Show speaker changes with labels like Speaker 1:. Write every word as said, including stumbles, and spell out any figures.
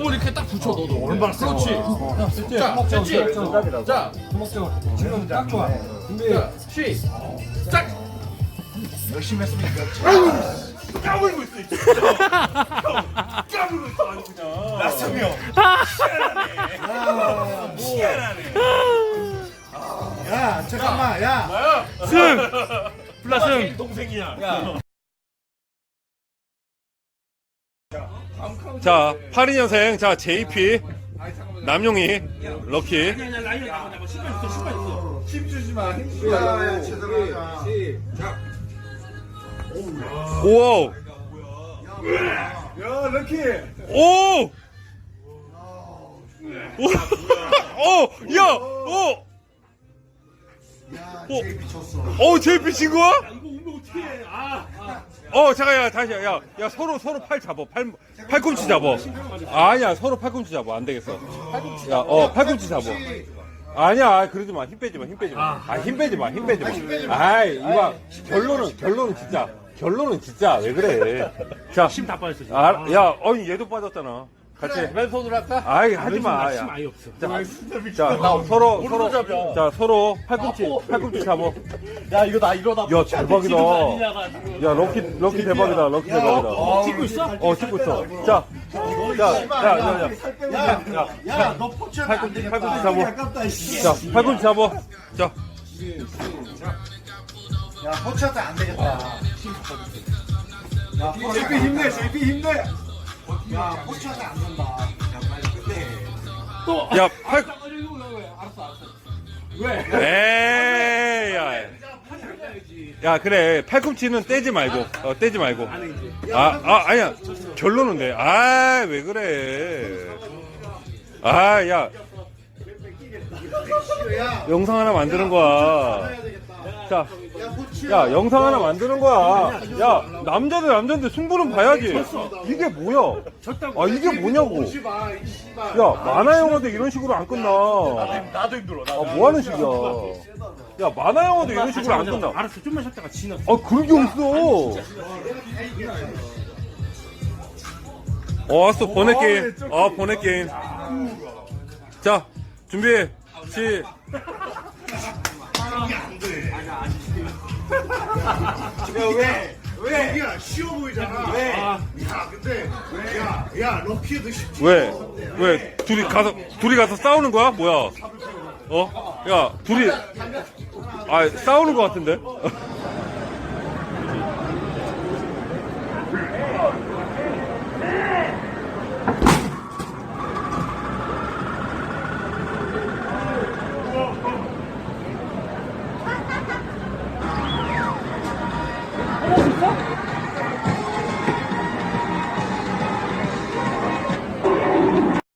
Speaker 1: 몸을 이렇게 딱 붙여 너도.
Speaker 2: 얼마나
Speaker 1: 그렇지. 자, 됐지? 자,
Speaker 2: 지금 딱 좋아.
Speaker 1: 자, 시작.
Speaker 2: 열심히 했으니까.
Speaker 3: 까불고 있어 이 진짜. 까불고 있어 아주 그냥. 나성이 형. 희한하네. 희한하네.
Speaker 2: 야 잠깐만 야.
Speaker 3: 나야.
Speaker 4: 승! 플라승!
Speaker 3: 동생이야.
Speaker 4: 자, 팔십이 년생, 자, 제이피, 남용희, 럭키.
Speaker 3: 아니야 라이언 나와 나와 신발 있어 신발 있어.
Speaker 2: 힘 주지 마. 힘 주지 마. 야야 제대로 하자.
Speaker 4: 오!
Speaker 2: 야 럭키.
Speaker 4: 오! 오! 오! 야! 오!
Speaker 2: 야
Speaker 4: 오.
Speaker 2: 제이피 쳤어.
Speaker 4: 어, 제이피 친 거야?
Speaker 3: 이거 오면 어떻게 해? 아.
Speaker 4: 어, 잠깐, 야, 다시, 야, 야, 서로, 서로 팔 잡어. 팔, 팔꿈치 잡어. 아니야, 서로 팔꿈치 잡어. 안 되겠어. 야, 어, 팔꿈치 잡어. 아니야, 그러지 마. 힘 빼지 마, 힘 빼지 마. 아, 힘 빼지 마, 힘 빼지 마. 아이, 이거, 결론은, 결론은 진짜. 결론은 진짜, 왜 그래. 자.
Speaker 3: 힘 다 빠졌어 지금.
Speaker 4: 아, 야, 어이, 얘도 빠졌잖아. 같이.
Speaker 1: 왼손으로 할까?
Speaker 4: 아이, 하지 마.
Speaker 3: 힘
Speaker 4: 야.
Speaker 3: 아예 없어.
Speaker 4: 자, 자, 서로, 서로,
Speaker 1: 잡혀.
Speaker 4: 자, 서로 팔꿈치, 팔꿈치 잡어.
Speaker 1: 야, 이거 나 이러다.
Speaker 4: 야, 대박이다. 야, 럭키, 럭키 대박이다. 럭키 대박이다.
Speaker 3: 찍고 있어?
Speaker 4: 어, 찍고 있어. 자, 야, 야, 야, 야. 야,
Speaker 2: 야너 포치하면 안
Speaker 4: 팔꿈치,
Speaker 2: 되겠다.
Speaker 4: 팔꿈치 잡어.
Speaker 2: 아깝다 씨.
Speaker 4: 자, 팔꿈치 잡어. 자,
Speaker 2: 야 포치하면 안 되겠다. 야 제이피 힘내. 제이피 힘내. 야 포치하면 안 된다. 야 빨리 끝내.
Speaker 4: 야, 팔,
Speaker 1: 알았어, 알았어.
Speaker 4: 에이, 야. 야, 그래. 팔꿈치는 떼지 말고, 어, 떼지 말고. 아, 아, 아니야. 결론은 돼. 아, 왜 그래. 아, 야. 영상 하나 만드는 거야. 자, 야, 영상 하나 만드는 거야. 야, 남자들 남자인데 승부는 봐야지. 이게 뭐야? 아, 이게 뭐냐고. 야, 만화 영화도 이런 식으로 안 끝나.
Speaker 3: 나도 힘들어.
Speaker 4: 아, 뭐 하는 식이야. 야, 만화 영화도 이런 식으로 안 끝나.
Speaker 3: 알았어 좀만 쉬었다가 지났어.
Speaker 4: 아, 그런 게 없어. 어, 왔어. 번외 게임. 아, 번외 게임. 자, 준비. 시.
Speaker 2: 왜? 왜? 여기가 쉬워 보이잖아. 왜?
Speaker 3: 아.
Speaker 2: 야 근데 야, 야 럭키도 쉽지.
Speaker 4: 왜? 왜? 둘이 가서, 둘이 가서 싸우는 거야? 뭐야? 어? 야, 둘이. 아, 싸우는 거 같은데?